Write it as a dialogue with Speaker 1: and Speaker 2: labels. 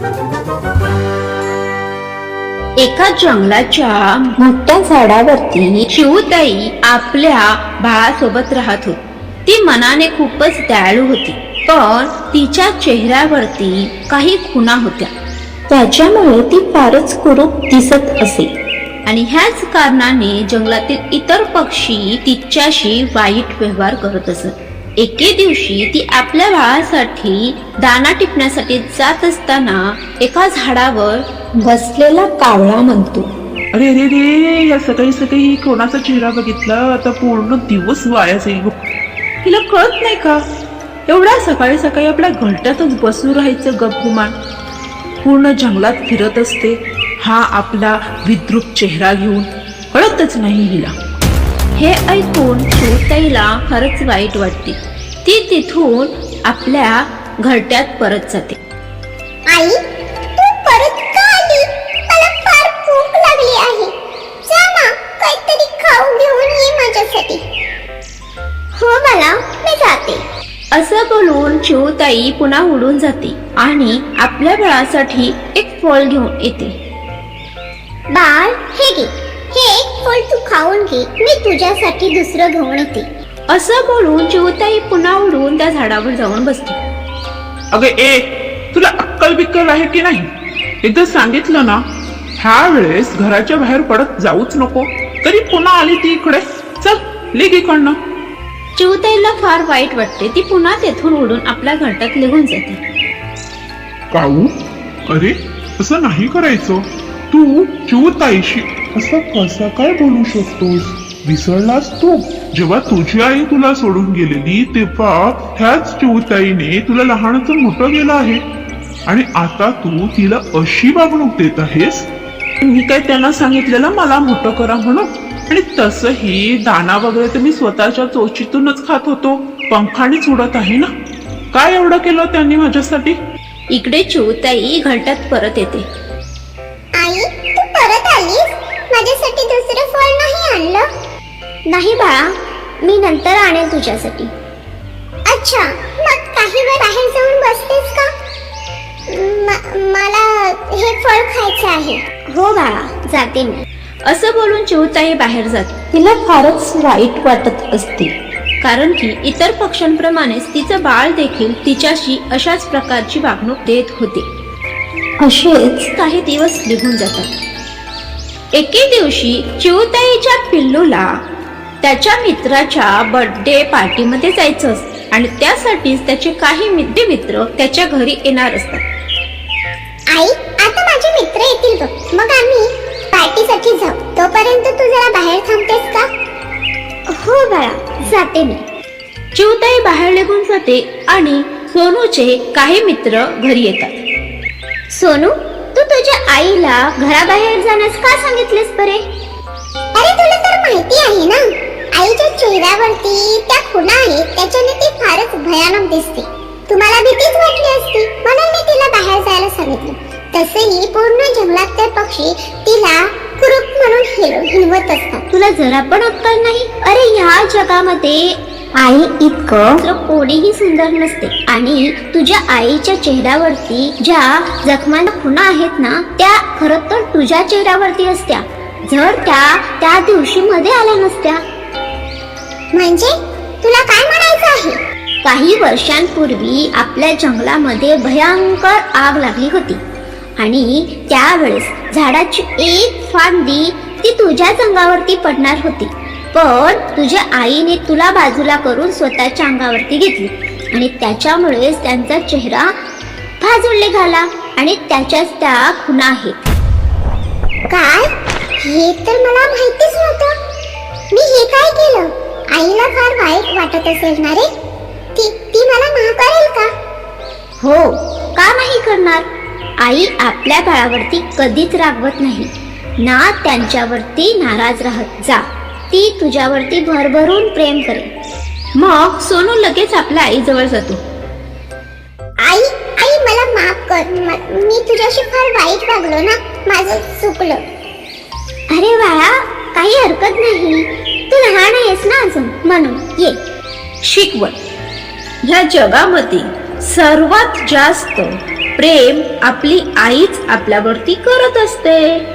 Speaker 1: एका जंगलाच्या मोठ्या झाडावरती चिऊताई आपल्या बाळासोबत राहत होती. ती मनाने खूपच दयाळू होती, पण तिच्या चेहऱ्यावरती काही खुणा होत्या. त्याच्यामुळे ती फारच कुरूप दिसत असे आणि ह्याच कारणाने जंगलातील इतर पक्षी तिच्याशी वाईट व्यवहार करत असत. एके दिवशी ती आपल्या बाळासाठी दाणा टिपण्यासाठी जात असताना एका झाडावर बसलेला कावळा म्हणतो,
Speaker 2: अरे अरे रे, या सकाळी सकाळी कोणाचा चेहरा बघितला, आता पूर्ण दिवस वाया जाईल. हिला कळत नाही का, एवढ्या सकाळी सकाळी आपल्या घरट्यातच बसून राहायचं गपगुमान. पूर्ण जंगलात फिरत असते हा आपला विद्रूप चेहरा घेऊन, कळतच नाही हिला.
Speaker 1: हे ऐकून चिऊताईला खरंच वाईट वाटते. ती तिथून आपल्या घरट्यात परत जाते.
Speaker 3: आई, तू परत का आली? मला फार भूक लागली आहे. जा ना, काहीतरी खाऊ घेऊन ये माझ्यासाठी. हो बाळा, मी जाते.
Speaker 1: असं बोलून चिऊताई पुन्हा उडून जाते आणि आपल्या बाळासाठी एक फळ घेऊन येते.
Speaker 3: बाळ, हे घे. हे एक फळ तू खाऊन घे. मी तुझ्यासाठी दुसरं घेऊन येते.
Speaker 1: असं बोलून चिऊताई पुन्हा उडून त्या झाडावर जाऊन बसते.
Speaker 2: अगं ए, तुला अक्कल बिक्कल आहे की नाही? एकदा सांगितलं ना, ह्या वेळेस घराच्या बाहेर पडत जाऊच नको. तरी पुन्हा आली ती इकडे. चल निघ इकडनं.
Speaker 1: चिऊताईला फार वाईट वाटते. ती पुन्हा तेथून उडून आपल्या घरट्यात निघून जाते.
Speaker 4: काऊ, अरे असं नाही करायचं. तू चिऊताईशी असं कसं काय बोलू शकतोस? विसरलास तू? जेव्हा तुझी आई तुला सोडून गेलेली तेव्हा ह्याच चिऊताईने तुला लहानाचं मोठं केलं आहे आणि आता तू तिला अशी वागणूक देत आहेस.
Speaker 2: मी काय त्यांना सांगितलेलं मला मोठं करा म्हणून? आणि तसंही दाना वगैरे तर मी स्वतःच्या चोचीतूनच खात होतो. पंखानेच उडत आहे ना. काय एवढं केलं त्यांनी माझ्यासाठी?
Speaker 1: इकडे चिऊताई घरट्यात परत येते.
Speaker 3: आई, तू परत आलीस? माझ्यासाठी दुसरं फळ नाही आणलं? नाही बाळा, मी नंतर आणेल तुझ्यासाठी. अच्छा, मग काही वेळ बाहेर जाऊन बसतेस का? मला हे फळ खायचं आहे. हो बाळा, जाते मी.
Speaker 1: असं बोलून चिऊताई बाहेर जाते. तिला फारच वाईट वाटत असते, कारण की इतर पक्ष्यांप्रमाणेच तिचं बाळ देखील तिच्याशी अशाच प्रकारची वागणूक देत होते. असेच काही दिवस निघून जातात. एके दिवशी चिऊताईच्या पिल्लूला त्याच्या मित्राच्या बर्थडे पार्टीमध्ये जायचं असतं आणि त्यासाठीच त्याचे काही मित्र त्याच्या घरी येणार असतात.
Speaker 3: आई, आता माझे मित्र येतील बघ, मग आम्ही पार्टीसाठी जाऊ. तोपर्यंत तू जरा बाहेर थांबतेस का? हो बाळा, जाते मी.
Speaker 1: चिऊताई बाहेर निघून जाते आणि सोनूचे काही मित्र घरी येतात.
Speaker 3: सोनू, तू तुझ्या आईला घराबाहेर जाण्यास का सांगितलेस बरे? अरे तुला तर माहिती आहे ना, आईच्या चेहऱ्यावरती त्या खुणा आहेत, त्याच्याने ती फारच भयानक दिसते. तुम्हाला भीतीच वाटली असती म्हणून मी तिला बाहेर जायला सांगितलं. तसंही पूर्ण जंगलात ते पक्षी तिला कुरूप म्हणून हिणवत असतात. तुला जरा पण अक्कल नाही? अरे ह्या जगामध्ये आई इतकं कोणीही सुंदर नसते आणि तुझ्या आईच्या चेहऱ्यावरती ज्या जखमांना खुणा आहेत ना, त्या खरं तर तुझ्या चेहऱ्यावरती असत्या जर त्या दिवशी मध्ये आल्या नसत्या. म्हणजे तुला काय म्हणायचं आहे? काही वर्षांपूर्वी आपल्या जंगलामध्ये भयंकर आग लागली होती आणि त्यावेळेस झाडाची एक फांदी ती तुझ्याच अंगावरती पडणार होती, पण तुझ्या आईने तुला बाजूला करून स्वतःच्या अंगावरती घेतली आणि त्याच्यामुळेच त्यांचा चेहरा भाजून निघाला आणि त्याच्याच त्या खुणा आहेत. काय? हे तर मला माहितीच नव्हतं. मी हे काय केलं? आईला फार वाईट वाटत असेल ना रे? ती मला माफ करेल का? हो, का नाही करणार? आई आपल्या बाळावरती कधीच रागवत नाही ना, त्यांच्यावरती नाराज राहत जा. ती तुझ्यावरती भरभरून प्रेम करेल.
Speaker 1: मग सोनू लगेच आपल्या आईजवळ जातो.
Speaker 3: आई, मला माफ कर. मी तुझ्याशी फार वाईट वागलो ना, माझं चुकलं. अरे बाळा, काही हरकत नाही. तू लहान आहेस ना अजून, म्हणून ये.
Speaker 1: शिकवण. ह्या जगामध्ये सर्वात जास्त प्रेम आपली आईच आपल्यावरती करत असते.